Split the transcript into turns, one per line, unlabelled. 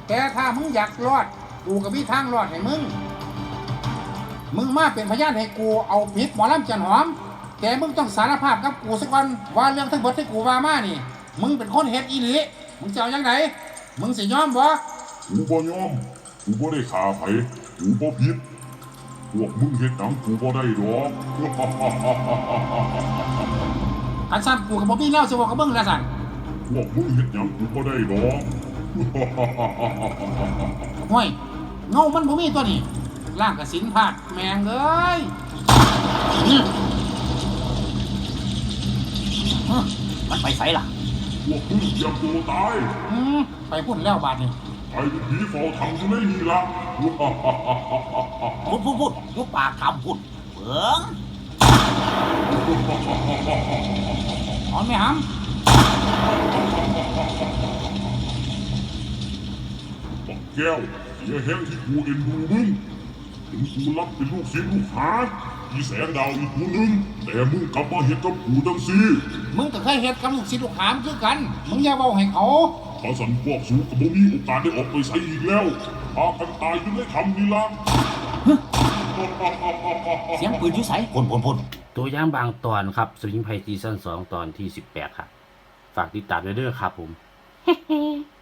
แต่ถ้ามึงอยากรอดกูก็มีทางรอดให้มึงมาเป็นพยานให้กูเอาผิดหมอลำจันหอมแต่มึงต้องสารภาพกับกูสักวันว่าเรื่องทั้งหมดที่กูว่ามานี่มึงเป็นคนเฮ็ดอีหลีมึงจะเอาอย่างไหนมึงสิยอมบ่
กูบ่ยอมกูบ่ได้ฆ่าไผกูบ่ผิดพวกมึงเฮ็ดหยังกูบ่ได้ดอก
คันสั่นกูก็บ่มีแนวสิบอกกับมึงแล้วสั่น
พวกมึงเฮ็ดหยังกูบ่ได้ดอก
ห่วยเงามันบ่มีตัวนี้ร่างกสินพาดแมงเอ้ย
มันไปไสล่ะ
พวกมึงอย่าโตตาย
ไปพุ่นแล้วบาดนี้
ไปเป็นผีเฝ้าถังอยู่ในนี่ล่ะ
พูดยุบปากคำพูดเบิ่ง
ถอนไม่ห
บักแก้วอย่าแห้งที่กูเอ็นดูมึงถึงกูรับเป็นลูกศิษย์ลูกหาอีแสงดาวอีกคนนึงแต่มึงกลับมาเฮ็ดกับกูจังซี่
มึงก็เคยเฮ็ดกับลูกศิษย์ลูกหามคือกันมึงอย่าเว้าให้เขา
ถ้าสันพวกสูก็บ่มีโอกาสได้ออกไปใส่อีกแล้วพากันตายอยู่ในถ้ำนี่ล่ะ
เสียงปืนอยู่ไสพ่น
ตัวอย่างบางตอนครับสวิงไพซีซั่น2ตอนที่18ครับฝากติดตามด้วยเด้อครับผม